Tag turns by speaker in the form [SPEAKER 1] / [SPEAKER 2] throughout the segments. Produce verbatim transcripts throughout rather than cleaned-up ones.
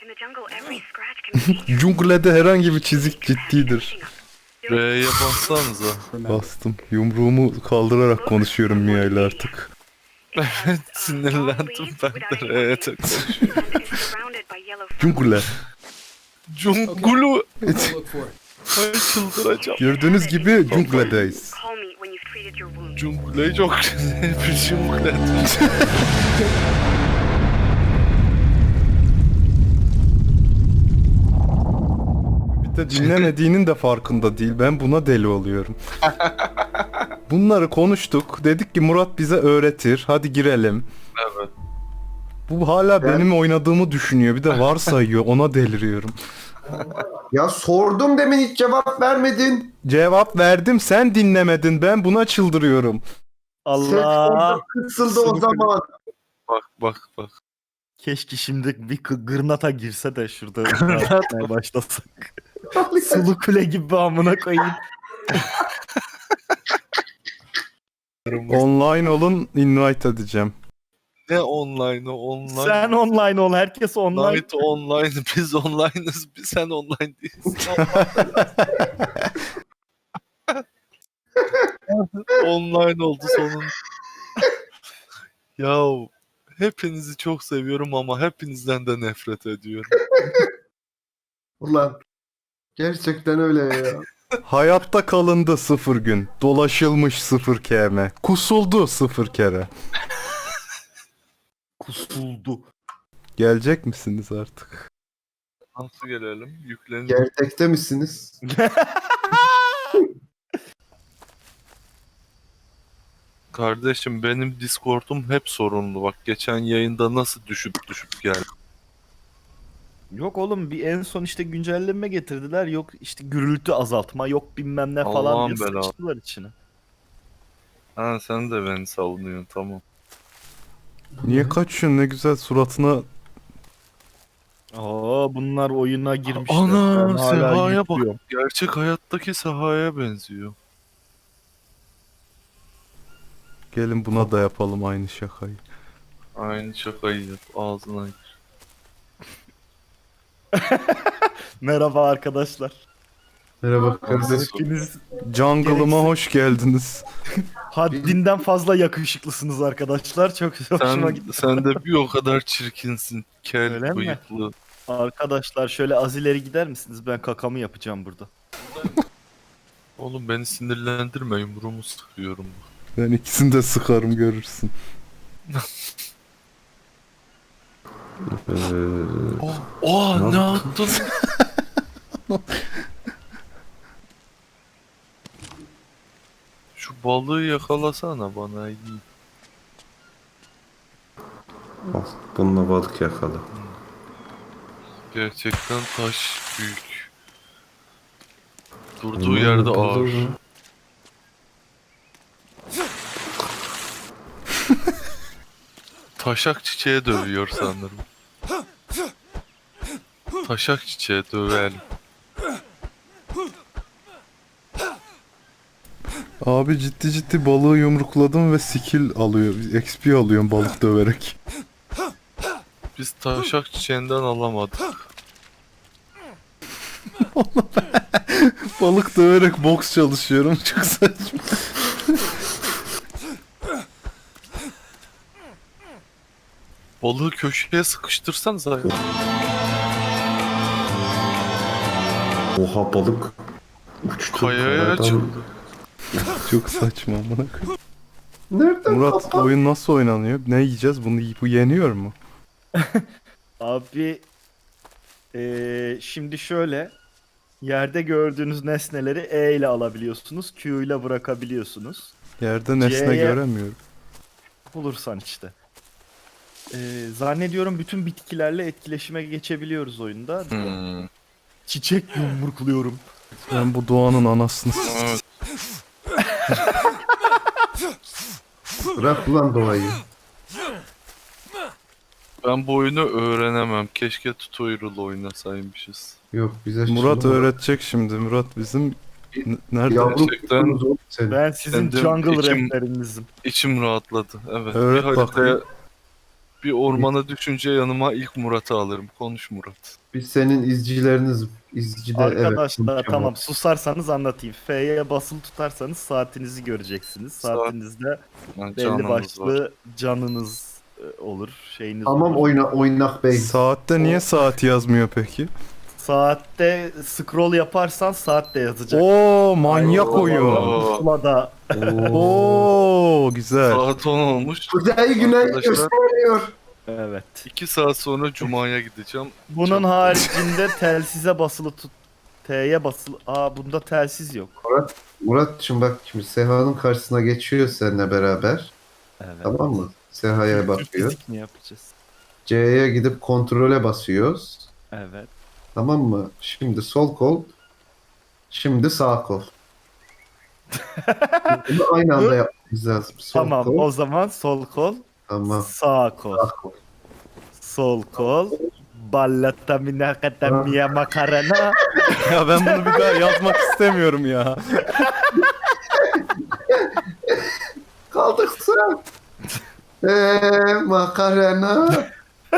[SPEAKER 1] Junglede herhangi bir çizik ciddidir.
[SPEAKER 2] R'ye bassanıza.
[SPEAKER 1] Bastım. Yumruğumu kaldırarak konuşuyorum Mia ile artık.
[SPEAKER 2] Evet, sinirlendim ben de R'ye taktım.
[SPEAKER 1] Jungle.
[SPEAKER 2] Cungulu. Ay çıldıracağım.
[SPEAKER 1] Gördüğünüz gibi jungledeyiz.
[SPEAKER 2] Cungule çok güzel bir jungle.
[SPEAKER 1] Bir de dinlemediğinin de farkında değil. Ben buna deli oluyorum. Bunları konuştuk. Dedik ki Murat bize öğretir. Hadi girelim.
[SPEAKER 2] Evet.
[SPEAKER 1] Bu hala benim oynadığımı düşünüyor. Bir de varsayıyor. Ona deliriyorum.
[SPEAKER 3] Ya sordum demin hiç cevap vermedin.
[SPEAKER 1] Cevap verdim. Sen dinlemedin. Ben buna çıldırıyorum.
[SPEAKER 4] Allah.
[SPEAKER 3] Kısıldı o zaman.
[SPEAKER 2] Bak bak bak.
[SPEAKER 4] Keşke şimdi bir kı- gırnata girse de şurada yapmaya başlasak. Sulu kule gibi amına koyayım.
[SPEAKER 1] Online olun. Invite edeceğim.
[SPEAKER 2] Ne online'ı online?
[SPEAKER 4] Sen online ol, herkes online.
[SPEAKER 2] Night online, biz online'ız, biz sen online değilsin. Online oldu sonunda. Ya hepinizi çok seviyorum ama hepinizden de nefret ediyorum.
[SPEAKER 3] Ulan gerçekten öyle ya.
[SPEAKER 1] Hayatta kalındı sıfır gün. Dolaşılmış sıfır km. Kusuldu sıfır kere.
[SPEAKER 4] Kusuldu.
[SPEAKER 1] Gelecek misiniz artık?
[SPEAKER 2] Nasıl gelelim? Yüklenin.
[SPEAKER 3] Gerçekte misiniz?
[SPEAKER 2] Kardeşim benim Discord'um hep sorunlu. Bak geçen yayında nasıl düşüp düşüp geldi.
[SPEAKER 4] Yok oğlum, bir en son işte güncelleme getirdiler. Yok işte gürültü azaltma, yok bilmem ne falan
[SPEAKER 2] Allah'ın
[SPEAKER 4] diye
[SPEAKER 2] belası.
[SPEAKER 4] sıçtılar içine.
[SPEAKER 2] Ha sen de beni savunuyorsun tamam.
[SPEAKER 1] Niye kaçıyorsun? Ne güzel suratına.
[SPEAKER 4] Aa, bunlar oyuna girmişler.
[SPEAKER 2] Ana
[SPEAKER 4] Ben hala
[SPEAKER 2] Seha'ya bak.
[SPEAKER 4] yüklüyorum.
[SPEAKER 2] Gerçek hayattaki Seha'ya benziyor.
[SPEAKER 1] Gelin buna da yapalım aynı şakayı.
[SPEAKER 2] Aynı şakayı yap. Ağzına gir.
[SPEAKER 4] Merhaba arkadaşlar.
[SPEAKER 3] Merhaba
[SPEAKER 2] kardeşim.
[SPEAKER 3] kardeşim.
[SPEAKER 4] Hepiniz
[SPEAKER 1] Jungle'ıma hoş geldiniz.
[SPEAKER 4] haddinden fazla yakışıklısınız arkadaşlar. Çok hoşuma
[SPEAKER 2] Sen,
[SPEAKER 4] gitti.
[SPEAKER 2] sen de bir o kadar çirkinsin.
[SPEAKER 4] Öyle
[SPEAKER 2] Kel
[SPEAKER 4] mi?
[SPEAKER 2] bıyıklı.
[SPEAKER 4] Arkadaşlar şöyle az ileri gider misiniz? Ben kakamı yapacağım burada.
[SPEAKER 2] Oğlum beni sinirlendirme yumruğumu sıkıyorum.
[SPEAKER 1] Ben ikisini de sıkarım görürsün.
[SPEAKER 2] Oh, oh ne yaptın? Şu balığı yakalasana bana iyi.
[SPEAKER 3] Al, bununla balık yakala.
[SPEAKER 2] Gerçekten taş büyük. Durduğu yerde ağır. Taşak çiçeğe dövüyor sanırım. Taşak çiçeğe dövelim.
[SPEAKER 1] Abi ciddi ciddi balığı yumrukladım ve skill alıyor. X P alıyorum balık döverek.
[SPEAKER 2] Biz taşak çiçeğinden alamadık.
[SPEAKER 1] Balık döverek boks çalışıyorum. Çok saçma.
[SPEAKER 2] Balığı köşeye sıkıştırsanız ay.
[SPEAKER 3] Oha balık. Uçtu.
[SPEAKER 2] Kayaya
[SPEAKER 3] kayadan.
[SPEAKER 2] açıldı.
[SPEAKER 1] Çok saçma amına koyayım.
[SPEAKER 3] Nereden
[SPEAKER 1] Murat
[SPEAKER 3] kapan-
[SPEAKER 1] oyun nasıl oynanıyor? Ne yiyeceğiz? Bunu bu yeniyor mu?
[SPEAKER 4] Abi eee, şimdi şöyle, yerde gördüğünüz nesneleri E ile alabiliyorsunuz. Q ile bırakabiliyorsunuz.
[SPEAKER 1] Yerde nesne
[SPEAKER 4] C'ye
[SPEAKER 1] göremiyorum.
[SPEAKER 4] Bulursan işte. Eee, zannediyorum bütün bitkilerle etkileşime geçebiliyoruz oyunda.
[SPEAKER 2] Hmm.
[SPEAKER 4] Çiçek yumrukluyorum.
[SPEAKER 1] Ben bu doğanın anasını s-
[SPEAKER 2] Evet.
[SPEAKER 3] Bırak ulan doğayı.
[SPEAKER 2] Ben bu oyunu öğrenemem. Keşke tutorial oynasaymışız.
[SPEAKER 3] Yok bize
[SPEAKER 1] Murat
[SPEAKER 3] şimdi-
[SPEAKER 1] öğretecek şimdi. Murat bizim N- nerede?
[SPEAKER 3] Yavrum
[SPEAKER 2] Gerçekten-
[SPEAKER 3] kutunuz oğlum senin.
[SPEAKER 4] Ben sizin
[SPEAKER 2] Kendim
[SPEAKER 4] jungle
[SPEAKER 2] içim-
[SPEAKER 4] rehberinizim.
[SPEAKER 2] İçim rahatladı. Evet.
[SPEAKER 1] Evet,
[SPEAKER 2] bir haritaya
[SPEAKER 1] bakayım.
[SPEAKER 2] Bir ormana düşünce yanıma ilk Murat'ı alırım. Konuş Murat.
[SPEAKER 3] Biz senin izcileriniz. İzci de
[SPEAKER 4] Arkadaşlar
[SPEAKER 3] evet.
[SPEAKER 4] tamam susarsanız anlatayım. F'ye basılı tutarsanız saatinizi göreceksiniz.
[SPEAKER 2] Saat-
[SPEAKER 4] Saatinizde
[SPEAKER 2] Yani
[SPEAKER 4] belli
[SPEAKER 2] canınız
[SPEAKER 4] başlı
[SPEAKER 2] var.
[SPEAKER 4] canınız e, olur. Şeyiniz
[SPEAKER 3] Tamam
[SPEAKER 4] olur.
[SPEAKER 3] oyna oynak bey.
[SPEAKER 1] Saatte niye saat yazmıyor peki?
[SPEAKER 4] Saatte scroll yaparsan saat de yazacak.
[SPEAKER 1] Oo manyak
[SPEAKER 2] Oo.
[SPEAKER 1] oyun.
[SPEAKER 4] Pusulada.
[SPEAKER 1] Oo güzel.
[SPEAKER 2] Saat on olmuş.
[SPEAKER 3] Kuzey güney
[SPEAKER 2] Arkadaşlar-
[SPEAKER 3] gösteriyor.
[SPEAKER 4] Evet.
[SPEAKER 2] iki saat sonra Cuma'ya gideceğim.
[SPEAKER 4] Bunun
[SPEAKER 2] Çok-
[SPEAKER 4] haricinde telsize basılı tut. T'ye basılı. Aa bunda telsiz yok.
[SPEAKER 3] Muratçım bak şimdi Seha'nın karşısına geçiyor seninle beraber.
[SPEAKER 4] Evet.
[SPEAKER 3] Tamam mı? Seha'ya
[SPEAKER 4] Türk
[SPEAKER 3] bakıyor.
[SPEAKER 4] fizik mi yapacağız?
[SPEAKER 3] C'ye gidip kontrole basıyoruz.
[SPEAKER 4] Evet.
[SPEAKER 3] Tamam mı? Şimdi sol kol. Şimdi sağ kol. Bunu aynı anda yapmamız lazım. Sol
[SPEAKER 4] Tamam
[SPEAKER 3] kol.
[SPEAKER 4] o zaman sol kol,
[SPEAKER 3] Tamam.
[SPEAKER 4] sağ kol.
[SPEAKER 3] Sağ kol.
[SPEAKER 4] Sol kol. Ballata minakata mia makarena.
[SPEAKER 1] Ya ben bunu bir daha yazmak istemiyorum ya.
[SPEAKER 3] Kaldık sıra. Eee makarena.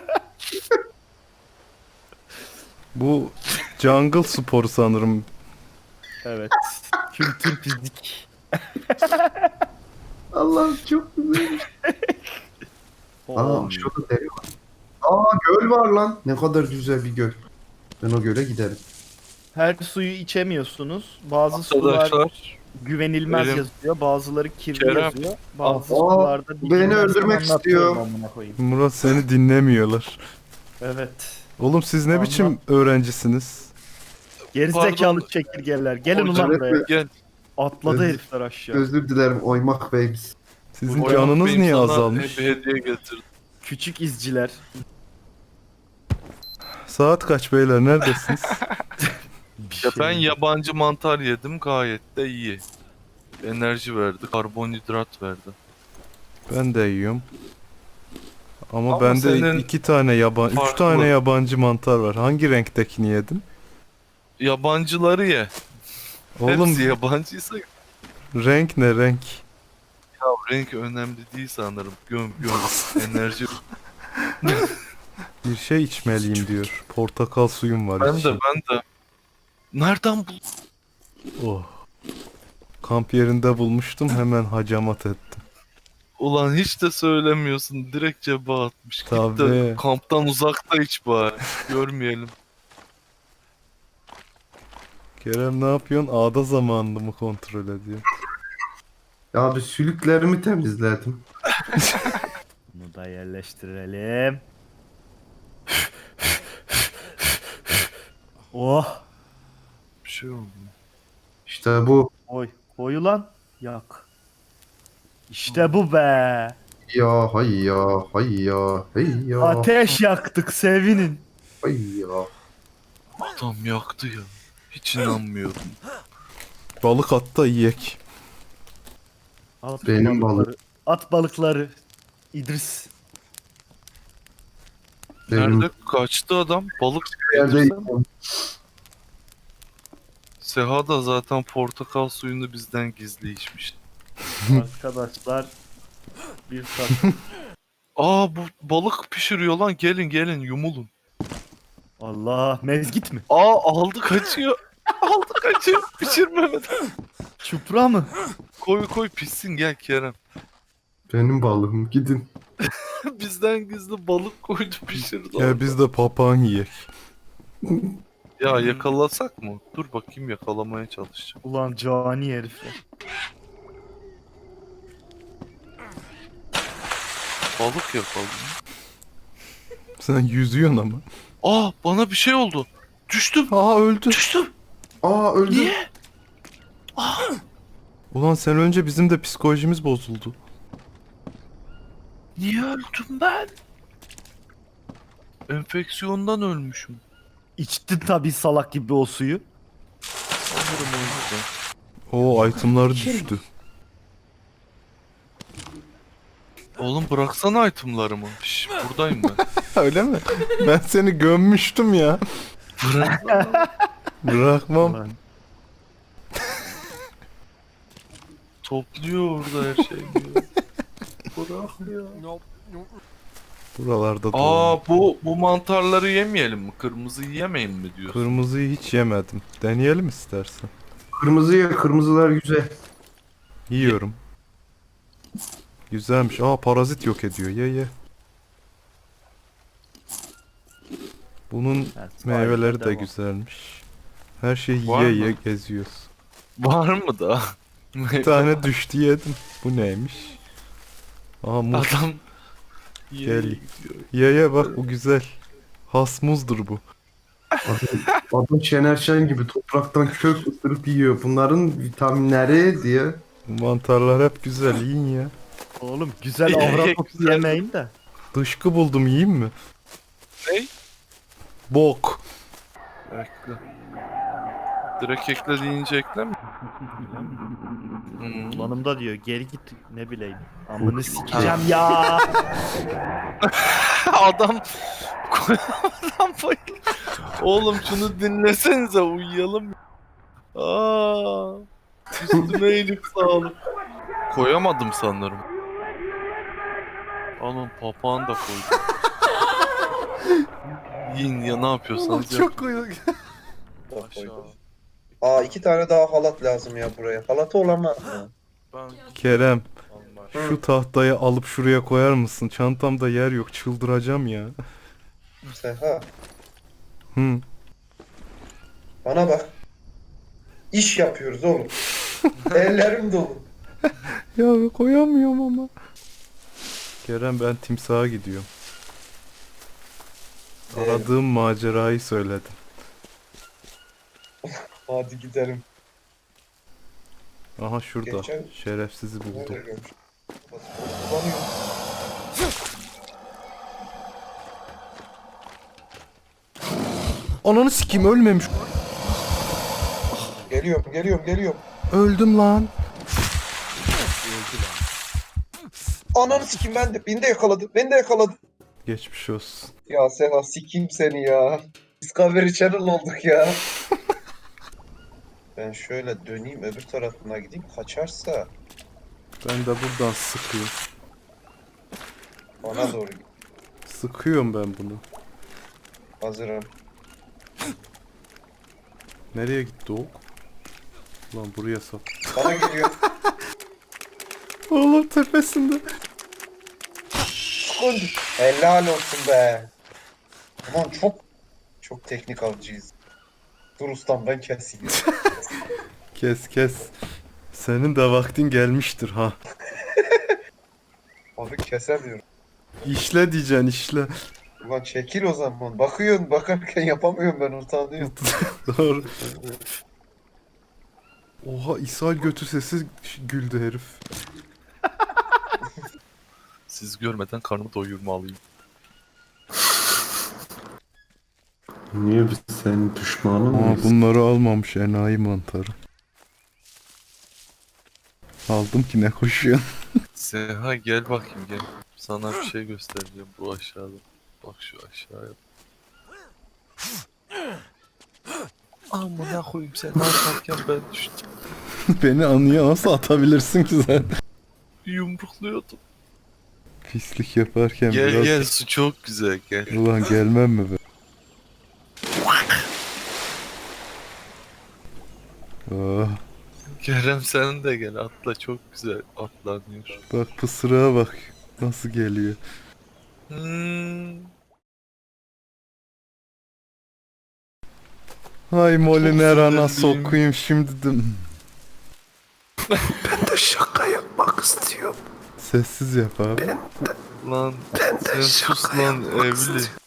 [SPEAKER 1] Bu jungle sporu sanırım.
[SPEAKER 4] Evet. Kültür fizik.
[SPEAKER 3] Allah'ım çok güzel. Aa
[SPEAKER 4] Oo.
[SPEAKER 3] şurada deri var. Aa göl var lan. Ne kadar güzel bir göl. Ben o göle giderim.
[SPEAKER 4] Her suyu içemiyorsunuz. Bazı sular
[SPEAKER 2] Arkadaşlar
[SPEAKER 4] güvenilmez
[SPEAKER 2] benim-
[SPEAKER 4] yazıyor. Bazıları kirli
[SPEAKER 2] Kerem.
[SPEAKER 4] yazıyor. Bazı
[SPEAKER 3] Aa,
[SPEAKER 4] sularda
[SPEAKER 3] beni
[SPEAKER 4] bilmem
[SPEAKER 3] öldürmek
[SPEAKER 4] anlatıyorum
[SPEAKER 3] istiyor.
[SPEAKER 4] amına koyayım.
[SPEAKER 1] Murat seni dinlemiyorlar.
[SPEAKER 4] Evet.
[SPEAKER 1] Oğlum siz ne
[SPEAKER 4] Anlam-
[SPEAKER 1] biçim öğrencisiniz?
[SPEAKER 4] Gerizekalı
[SPEAKER 2] Pardon.
[SPEAKER 4] çekirgeler. Gelin
[SPEAKER 2] Hocam,
[SPEAKER 4] ulan buraya.
[SPEAKER 2] gel.
[SPEAKER 4] Atladı
[SPEAKER 3] Özür-
[SPEAKER 4] herifler aşağı.
[SPEAKER 3] Özür dilerim oymak beyimiz.
[SPEAKER 1] Sizin
[SPEAKER 2] Hocam,
[SPEAKER 1] canınız
[SPEAKER 2] benim
[SPEAKER 1] niye
[SPEAKER 2] sana
[SPEAKER 1] azalmış?
[SPEAKER 2] Bir hediye getirdim.
[SPEAKER 4] Küçük izciler.
[SPEAKER 1] Saat kaç beyler neredesiniz?
[SPEAKER 4] Bir
[SPEAKER 2] Ya
[SPEAKER 4] şey
[SPEAKER 2] ben
[SPEAKER 4] yok.
[SPEAKER 2] yabancı mantar yedim gayet de iyi. Enerji verdi, karbonhidrat verdi.
[SPEAKER 1] Ben de yiyorum. Ama,
[SPEAKER 2] Ama
[SPEAKER 1] bende
[SPEAKER 2] senin
[SPEAKER 1] iki tane yaban, üç
[SPEAKER 2] farklı.
[SPEAKER 1] tane yabancı mantar var. Hangi renktekini yedin?
[SPEAKER 2] Yabancıları ye.
[SPEAKER 1] Oğlum
[SPEAKER 2] Hepsi yabancıysa
[SPEAKER 1] renk ne renk?
[SPEAKER 2] ya renk önemli değil sanırım. Göm göm enerji.
[SPEAKER 1] Bir şey içmeliyim diyor. Portakal suyum var.
[SPEAKER 2] Ben de
[SPEAKER 1] içeyim.
[SPEAKER 2] ben de. Nereden buldun?
[SPEAKER 1] Oh. Kamp yerinde bulmuştum hemen hacamat ettim.
[SPEAKER 2] Ulan hiç de söylemiyorsun. Direkt cebe atmış. Git
[SPEAKER 1] Tabii.
[SPEAKER 2] de kamptan uzakta iç bari. Görmeyelim.
[SPEAKER 1] Kerem ne yapıyorsun? Ağda zamanını mı kontrol ediyor?
[SPEAKER 3] Ya abi sülüklerimi temizledim.
[SPEAKER 4] Bunu da yerleştirelim. Oh.
[SPEAKER 2] Bir şey oldu.
[SPEAKER 3] İşte bu.
[SPEAKER 4] Koy. Koy ulan. Yak. İşte bu be.
[SPEAKER 3] Ya hay ya hay ya hey ya
[SPEAKER 4] Ateş yaktık sevinin.
[SPEAKER 3] hay ya.
[SPEAKER 2] Adam yaktı ya. Hiç inanmıyorum.
[SPEAKER 1] Balık at da yiyek.
[SPEAKER 4] At
[SPEAKER 3] Benim
[SPEAKER 4] balıkları. At balıkları. İdris.
[SPEAKER 3] Benim
[SPEAKER 2] Nerede kaçtı adam? Balık
[SPEAKER 3] yerde
[SPEAKER 2] getirsen. Seha da zaten portakal suyunu bizden gizli içmiş.
[SPEAKER 4] Arkadaşlar. Bir tat.
[SPEAKER 2] Aa bu balık pişiriyor lan. Gelin gelin yumulun.
[SPEAKER 4] Allah. Mezgit mi?
[SPEAKER 2] Aa aldı kaçıyor. Aldı kaçıyor. Pişirmemeden.
[SPEAKER 4] Çupra mı?
[SPEAKER 2] Koy koy pişsin gel Kerem.
[SPEAKER 3] benim balığım gidin.
[SPEAKER 2] Bizden gizli balık koydu pişirdi.
[SPEAKER 1] Ya biz de papağan yiyek.
[SPEAKER 2] Ya yakalasak mı? Dur bakayım yakalamaya çalışacağım.
[SPEAKER 4] Ulan cani herifler.
[SPEAKER 2] Balık yakaladım.
[SPEAKER 1] Sen yüzüyorsun ama.
[SPEAKER 2] Aa bana bir şey oldu. Düştüm.
[SPEAKER 1] Aa öldü.
[SPEAKER 2] Düştüm.
[SPEAKER 3] Aa öldü.
[SPEAKER 2] Niye?
[SPEAKER 1] Ulan sen önce bizim de psikolojimiz bozuldu.
[SPEAKER 2] Niye öldüm ben? Enfeksiyondan ölmüşüm.
[SPEAKER 4] İçtin tabii salak gibi o suyu.
[SPEAKER 2] Sanırım o yüzden.
[SPEAKER 1] Oo itemlar düştü.
[SPEAKER 2] Oğlum bıraksana itemlarımı. Şş, buradayım ben.
[SPEAKER 1] Öyle mi? Ben seni gömmüştüm ya.
[SPEAKER 2] Bırak.
[SPEAKER 1] Bırakmam.
[SPEAKER 4] Ulan.
[SPEAKER 2] Topluyor orada her şeyi. Bırakmıyor.
[SPEAKER 1] Buralarda da
[SPEAKER 2] Aa bu bu mantarları yemeyelim mi? Kırmızı yemeyin mi diyorsun?
[SPEAKER 1] Kırmızıyı hiç yemedim. Deneyelim istersen.
[SPEAKER 3] Kırmızı ye, kırmızılar güzel.
[SPEAKER 1] Yiyorum. Güzelmiş. Aa parazit yok ediyor. Ye ye. Bunun
[SPEAKER 4] Yani
[SPEAKER 1] meyveleri de
[SPEAKER 4] devam.
[SPEAKER 1] güzelmiş. Her şeyi
[SPEAKER 2] Var
[SPEAKER 1] yiye
[SPEAKER 2] mı?
[SPEAKER 1] yiye geziyoruz.
[SPEAKER 2] Var mı da?
[SPEAKER 1] Bir tane düştü yedim. Bu neymiş? Aa muz.
[SPEAKER 2] Adam
[SPEAKER 1] Gel.
[SPEAKER 2] Gel.
[SPEAKER 1] Ye ye bak bu güzel. Has muzdur bu.
[SPEAKER 3] Adam Şener Şen gibi topraktan kök ısırıp yiyor. Bunların vitaminleri diye.
[SPEAKER 1] Bu mantarlar hep güzel. Yiyin ya.
[SPEAKER 4] Oğlum güzel
[SPEAKER 2] Ye-
[SPEAKER 4] avrat
[SPEAKER 2] güzel.
[SPEAKER 4] yemeyin de.
[SPEAKER 1] Dışkı buldum yiyeyim mi?
[SPEAKER 2] Ne?
[SPEAKER 1] Bok.
[SPEAKER 2] Ekle. Direkt ekle deyince ekleme. Hmm.
[SPEAKER 4] Kullanımda diyor geri git ne bileyim. Amını sikeceğim ya.
[SPEAKER 2] Adam adam bayıldı. Oğlum şunu dinlesenize uyuyalım. Aa. Üstüme iyilik sağlık. Koyamadım sanırım. Alın papağanı da koydum. Yiyin ya ne yapıyorsanız yapın.
[SPEAKER 1] koyduk.
[SPEAKER 2] Aşağı.
[SPEAKER 5] Aa iki tane daha halat lazım ya buraya. Halatı olan var mı?
[SPEAKER 2] Ben
[SPEAKER 1] Kerem
[SPEAKER 2] Allah.
[SPEAKER 1] şu tahtayı alıp şuraya koyar mısın? Çantamda yer yok. Çıldıracağım ya.
[SPEAKER 5] Seha
[SPEAKER 1] Hı.
[SPEAKER 5] bana bak. İş yapıyoruz oğlum. Ellerim dolu.
[SPEAKER 1] Ya koyamıyorum ama. Kerem ben timsaha gidiyorum.
[SPEAKER 5] Ee,
[SPEAKER 1] Aradığım macerayı söyledim.
[SPEAKER 5] Hadi gidelim.
[SPEAKER 1] Aha şurada.
[SPEAKER 5] Geçen-
[SPEAKER 1] Şerefsizi buldum.
[SPEAKER 5] Nerede görmüş? Kullanıyorum.
[SPEAKER 1] Ananı sikeyim ölmemiş.
[SPEAKER 5] Geliyorum, geliyorum, geliyorum.
[SPEAKER 1] Öldüm lan.
[SPEAKER 5] Ananı sikim ben de. Beni de yakaladı. Beni de yakaladı.
[SPEAKER 1] Geçmiş olsun.
[SPEAKER 5] Ya Seha sikim seni ya. Discovery Channel olduk ya. Ben şöyle döneyim öbür tarafına gideyim. Kaçarsa
[SPEAKER 1] Ben de buradan sıkıyorum.
[SPEAKER 5] bana doğru git.
[SPEAKER 1] Sıkıyorum ben bunu.
[SPEAKER 5] Hazırım.
[SPEAKER 1] Nereye gitti o? Lan buraya sap.
[SPEAKER 5] Bana geliyor.
[SPEAKER 1] Oğlum tepesinde.
[SPEAKER 5] Sıkıntı. Helal olsun be. Aman çok çok teknik avcıyız. Dur ustam ben keseyim.
[SPEAKER 1] Kes kes. Senin de vaktin gelmiştir ha.
[SPEAKER 5] Abi kesemiyorum.
[SPEAKER 1] İşle diyeceksin işle.
[SPEAKER 5] Ulan çekil o zaman. Bakıyorsun bakarken yapamıyorum ben utanıyorum.
[SPEAKER 1] Doğru. Oha ishal götü sesi güldü herif.
[SPEAKER 2] Siz görmeden karnımı doyurmalıyım.
[SPEAKER 3] Niye biz senin düşmanın
[SPEAKER 1] Aa
[SPEAKER 3] mıyız?
[SPEAKER 1] bunları almamış enayi mantarı. Aldım ki ne koşuyorsun.
[SPEAKER 2] Seha gel bakayım gel. Sana bir şey göstereceğim bu aşağıda. Bak şu aşağıya. Amına koyayım sen atarken ben düştüm.
[SPEAKER 1] Beni anıya nasıl atabilirsin ki sen?
[SPEAKER 2] Yumrukluyordum.
[SPEAKER 1] Pislik yaparken
[SPEAKER 2] Gel
[SPEAKER 1] biraz...
[SPEAKER 2] gel su çok güzel gel.
[SPEAKER 1] Ulan gelmem mi be? Oh,
[SPEAKER 2] Kerem sen de gel atla çok güzel atlanıyor.
[SPEAKER 1] bak pısırığa bak. Nasıl geliyor.
[SPEAKER 2] Hmm.
[SPEAKER 1] Ay Moliner ana
[SPEAKER 2] sinirliyim.
[SPEAKER 1] sokuyum şimdi de.
[SPEAKER 3] Ben de şaka yapmak istiyorum.
[SPEAKER 1] Sessiz yap abi.
[SPEAKER 2] Lan sen sus lan evli.